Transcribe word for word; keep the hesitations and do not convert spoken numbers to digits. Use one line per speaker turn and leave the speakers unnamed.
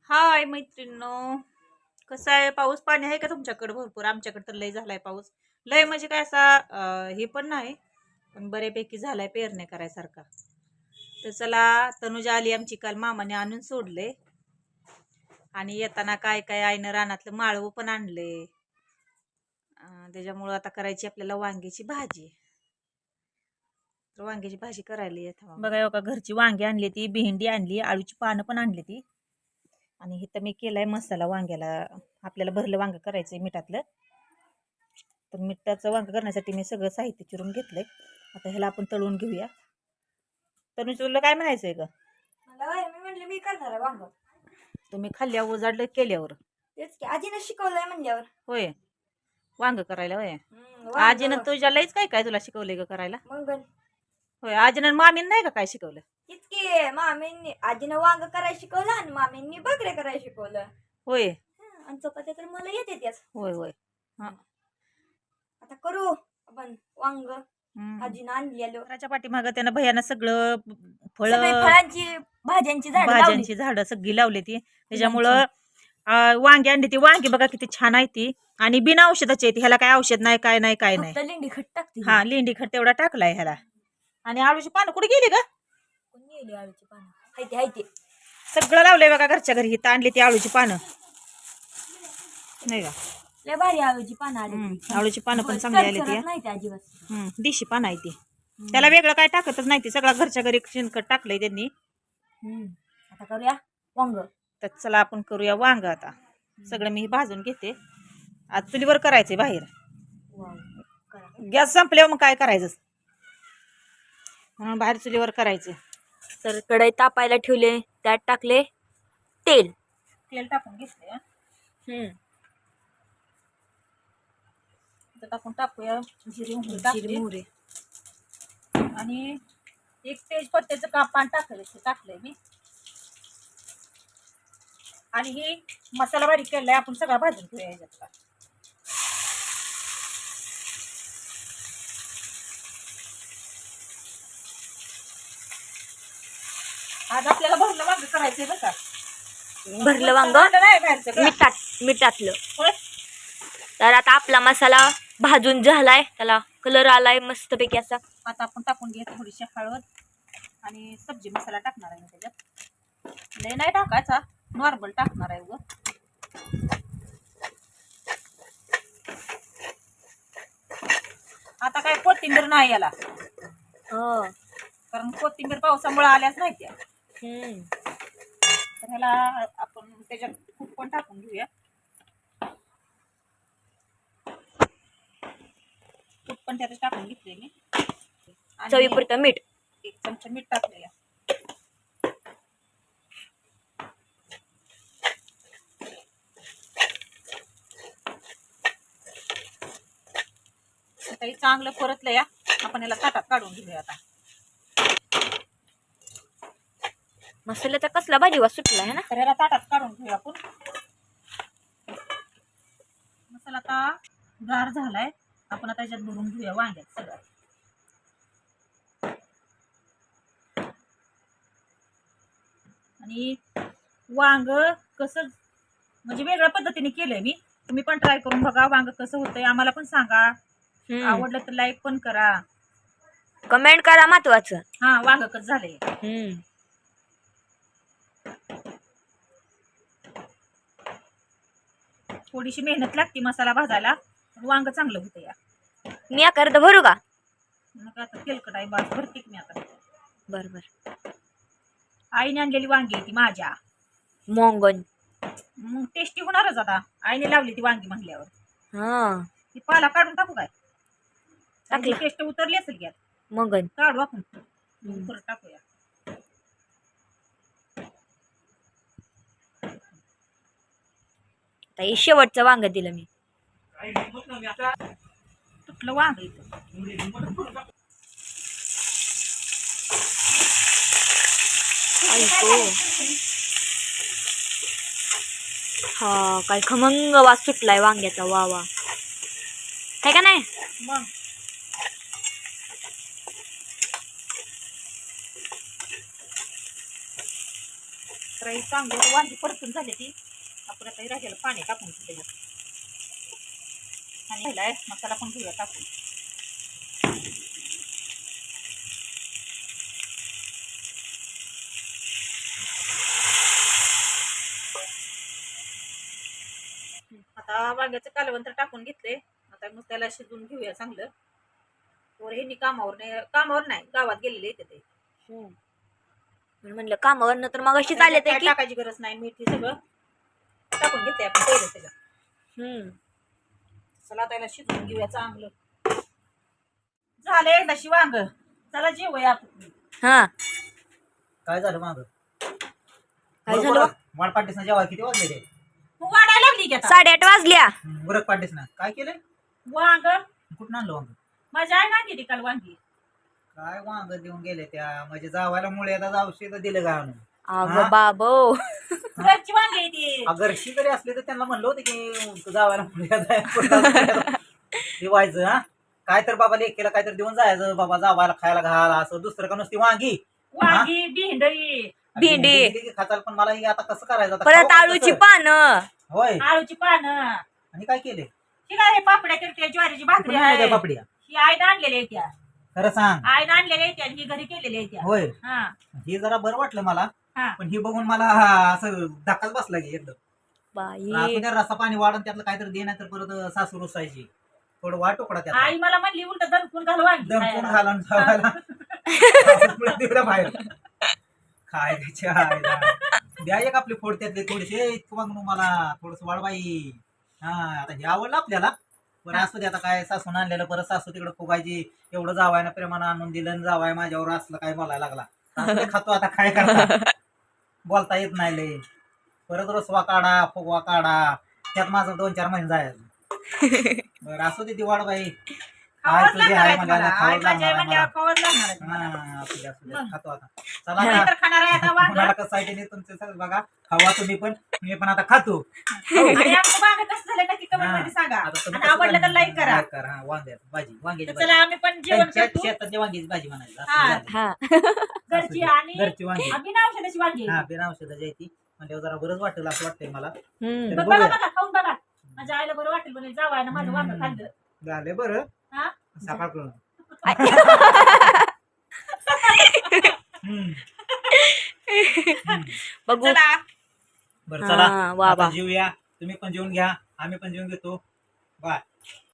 हाय मैत्रिणींनो, कसं आहे? पाऊस पाणी आहे का तुमच्याकडे? भरपूर. आमच्याकडे तर लय झालाय पाऊस. लय म्हणजे काय असा अं, हे पण नाही, पण बऱ्यापैकी झालाय पेरणे करायसारखा. तर चला, तनुजा आली आमची काल, मामाने आणून सोडले. आणि येताना काय काय आईनं रानातलं माळवं पण आणले. अं, त्याच्यामुळं आता करायची आपल्याला वांग्याची भाजी. तर वांग्याची भाजी करायला येत बघा. हो का, घरची वांगी आणली ती, भेंडी आणली, आळूची पानं पण आणली ती. आणि इथं मी केलाय मसाला वांग्याला. आपल्याला भरलं वांग करायचंय मिठातलं. तर मिठाचं वांग करण्यासाठी मी सगळं साहित्य चिरून घेतलंय. आता ह्याला आपण तळून घेऊया. तर तुला काय म्हणायचंय ग?
मला होय, मी म्हणले मी करणार आहे वांग.
तुम्ही खाल्ल्यावर उजाडलं केल्यावर?
तेच की आजीने शिकवलंय म्हणल्यावर.
होय, वांग करायला होय.
हम्म, वांग.
आजीनं तुझ्या लईच काय काय तुला शिकवलंय ग करायला?
मग
होय, आजीनं मामीन नाही का काय शिकवलं?
तेच की मामींनी आजीनं वांग करायला शिकवलं आणि मामींनी बकरे करायला शिकवलं.
होय
हं, आणि चपात्या तर मला येते त्याच.
होय होय. हा,
आता करू आपण वांग.
हम्म.
आजीनं आणलेलं
घराच्या पाठीमागं त्यानं भयानं सगळं फळ,
सगळी फळांची भाज्यांची झाडं लावली.
भाज्यांची झाडं सगळी लावली ती. त्याच्यामुळं अं, वांगी आणली ती. वांगी बघा किती छान आहे ती, आणि बिना औषधाची आहे ती. ह्याला काय औषध नाही, काय नाही, काय नाही.
फक्त लिंडी खट टाकते.
हा, लेंडी खत तेवढा टाकलाय ह्याला. आणि आळूची पानं कुठे गेली का?
कोणी नेली आळूची पानं? हायते हायते
सगळं लावलंय बघा घरच्या घरी. इथं आणली ती आळूची पानं, नाही का?
लय भारी आळूची पानं आली.
हम्म, आळूची पानं पण चांगली आली ती.
नाही ते अजिबात.
हम्म, देशी पानं आहे ती. त्याला वेगळं काय टाकतच नाही ती. सगळं घरच्या घरी शेणखत टाकलंय त्यांनी.
हम्म, आता करूया वांग.
तर चला आपण करूया वांग आता. सगळं मी भाजून घेते. आज चुलीवर करायचंय बाहेर. गॅस संपल्यावर मग काय करायचं, म्हणून बाहेर चुलीवर करायचं.
तर कढई तापायला ठेवले, त्यात टाकले तेल.
तेल टाकून घेतले.
हम्म,
टाकून टाकूया जिरे मोहरी
जिरे
टाकले.
मोहरी.
आणि एक तेजपत्त्याचं कापान टाकलं टाकलंय मी. आणि ही मसाला बारीक केलाय आपण, सगळा भाजून घेऊया ह्याच्यातला. आज आपल्याला भरलं वांग करायचंय बरं का.
भरलं वांग
नाही बाहेरचं
मिठात मिठातलं.
होय.
तर आता आपला मसाला भाजून झालाय, त्याला कलर आलाय मस्तपैकी असा.
आता आपण टाकून घ्या थोडीशी हळद आणि सब्जी मसाला टाकणार आहे मी त्याच्यात. लय नाही टाकायचा, नॉर्मल टाकणार आहे ग. आता काय कोथिंबीर नाही याला,
हो.
कारण कोथिंबीर पावसामुळे आल्याच नाही त्या.
हम्म,
तर ह्याला आपण त्याच्यात खूप पण टाकून घेऊया. तूप पण त्यात टाकून घेतले मी.
चवीपुरतं मीठ.
एक चमचा मीठ टाकलेला. आता हे चांगलं परतलं या. आपण याला ताटात काढून घेऊया आता.
मसाल्याचा कसला भाजी वास सुटला आहे ना.
तर याला ताटात काढून घेऊया आपण. मसाला आता गार झालाय. आपण आता याच्यात भरून घेऊया वांग्यात सगळं. आणि वांग कसं म्हणजे वेगळ्या पद्धतीने केलंय मी. तुम्ही पण ट्राय करून बघा वांग कसं होतंय. आम्हाला पण सांगा. आवडलं तर लाईक पण करा,
कमेंट करा महत्वाचं.
हा, वांग कसं झालंय.
हम्म,
थोडीशी मेहनत लागते मसाला भाजायला, पण वांग चांगलं होतं या.
मी आकार भरू का?
मग आता तेलकट आहे बास, भरते मी आता.
बर बर.
आईने आणलेली वांगी ती माझ्या.
मोंगन.
मग टेस्टी होणारच आता. आईने लावली ती वांगी म्हणल्यावर.
हा,
ती पाला काढून टाकू काय?
टाकला.
टेस्ट उतरली असेल की.
मोंगन
काढू आपण, परत टाकूया.
आता शेवटचं वांग दिलं मी.
तुटलं वांग इथं.
हा, काय खमंग वास सुटलाय वांग्याचा. वा वा, है का नाही?
मग तर ही चांगली वांगी परतून झाली ती. आपण आता राहिलेलं पाणी टाकून त्याच्यात आणि ह्याला मसाला पण घेऊया टाकून. आता वांग्याचं कालवण तर टाकून घेतले. आता मग त्याला शिजवून घेऊया चांगलं. वर ह्यांनी कामावर नाही कामावर नाही गावात गेलेले येते ते.
मी म्हणलं कामावर तर मग अशी चालत
काय
की
टाकायची गरज नाही. मीठ हे सगळं टाकून घेते आपण पहिलं त्याच्यात.
हम्म
चला त्याला शिजवून घेऊया चांगलं. झालं एकदाशी वांग. चला जेवूया आपण.
हा
काय झालं माग
काय झालं
वाट पाडतेस ना जेव्हा किती वाजले ते
तू वाढायला लागली की आता.
साडेआठ वाजल्या.
उरक पाडतेस ना काय केलंय
वांग
कुठं आणलं वांग
माझ्या आई नाही गेली काल वांगी.
काय वांग देऊन गेले त्या म्हणजे जावायला मुळे आता औषध दिलं का आणून
अगं
हा?
बाबो
घरची वांगी आहे ती.
घरची जरी असले तर त्यांना म्हणलं होतं की जावायला मुळे दिवायचं हा काय तर बाबा लेकीला काय तर देऊन जायचं बाबा जावायला खायला घाल असं दुसरं का नुसती वांगी
वांगी भेंडी
भेंडी.
दिली की खाताल पण मला ही आता कसं करायचं आता
परत
खाऊ
आळूची
कसं?
पानं.
होय
आळूची पानं.
आणि काय केले
ही काय हे पापड्या करते ज्वारीची भाकरी आहे.
पापड्या
ही आईनं आणलेली आहे त्या.
खरं सांग
आईनं आणलेली आहे त्या आणि ही घरी केलेली आहे त्या.
होय
हा
हे जरा बरं वाटलं मला
हा
पण ही बघून मला असं धक्काच बसला की एकदम
बाई
असं त्या रसा पाणी वाढून त्यातलं काहीतरी दे नाही तर परत सासू रुसायची थोडं वाट तुकडा त्यात
आई मला म्हणली उलट दणकून घाल वांगी
दमपून
खायला.
घालून ठेवायला दिलं बाहेर काय त्याच्या आईला. द्या एक आपली फोड त्यातले थोडेसे इतकं मग मला थोडस वाढवाई हा आता हे आवडलं आपल्याला पण असं ते आता काय सासून आणलेलं परत सासू तिकडे फुगायची एवढं जावायनं प्रेमानं आणून दिलं आणि जावाय माझ्यावर असलं काय बोलायला लागला असं ते खातो आता काय करता बोलता येत नाही लय परत रसवा काढा फुगवा काढा त्यात माझं दोन चार महिने जायचं बरं असू दे ती वाढवाई
खावंच
तुझी
लागणार
आहे
आहे
मला,
तुम्हाला.
खावंच
आई माझी आई
लागणार आहे
म्हणल्यावर खावंच लागणार आहे तुम्हाला.
हा, असू दे, असू दे. खातो आता चला
मी
आता.
तर खाणार आहे आता वांग.
मला कसं आहे ते तुमचं सगळं बघा खावा तुम्ही पण मी पण आता खातो
आणि आमचं वांग कसं झालं नक्की कमेंट मध्ये सांगा.
आता तुम्ही
आणि
कसं
आवडलं तर लाईक करा.
like करा हा, वांग्याची भाजी वांग्याची
तर
भाजी
चला आम्ही पण जेवण
त्यांच्या
करतो.
शेतातली वांग्याची भाजी म्हणायची असं
हा.
झालं.
हा
घरची
असू दे.
आणि
घरची वांगी
बिना औषधाची वांगी.
हा बिना औषधाची आहे ती म्हणजे जरा बरंच वाटेल असं वाटतंय मला
हम्म
तर
बरं बघा
बघूया.
बघा खाऊन बघा. माझ्या आईला बरं वाटेल म्हणे जावाय ना माझं वांग खाल्लं.
झालं बरं
हा
सकाळ करून
बघू
चला
बरं चला
हा, वा
आता
वा.
जेवूया तुम्ही पण जेवून घ्या आम्ही पण जेवून घेतो बाय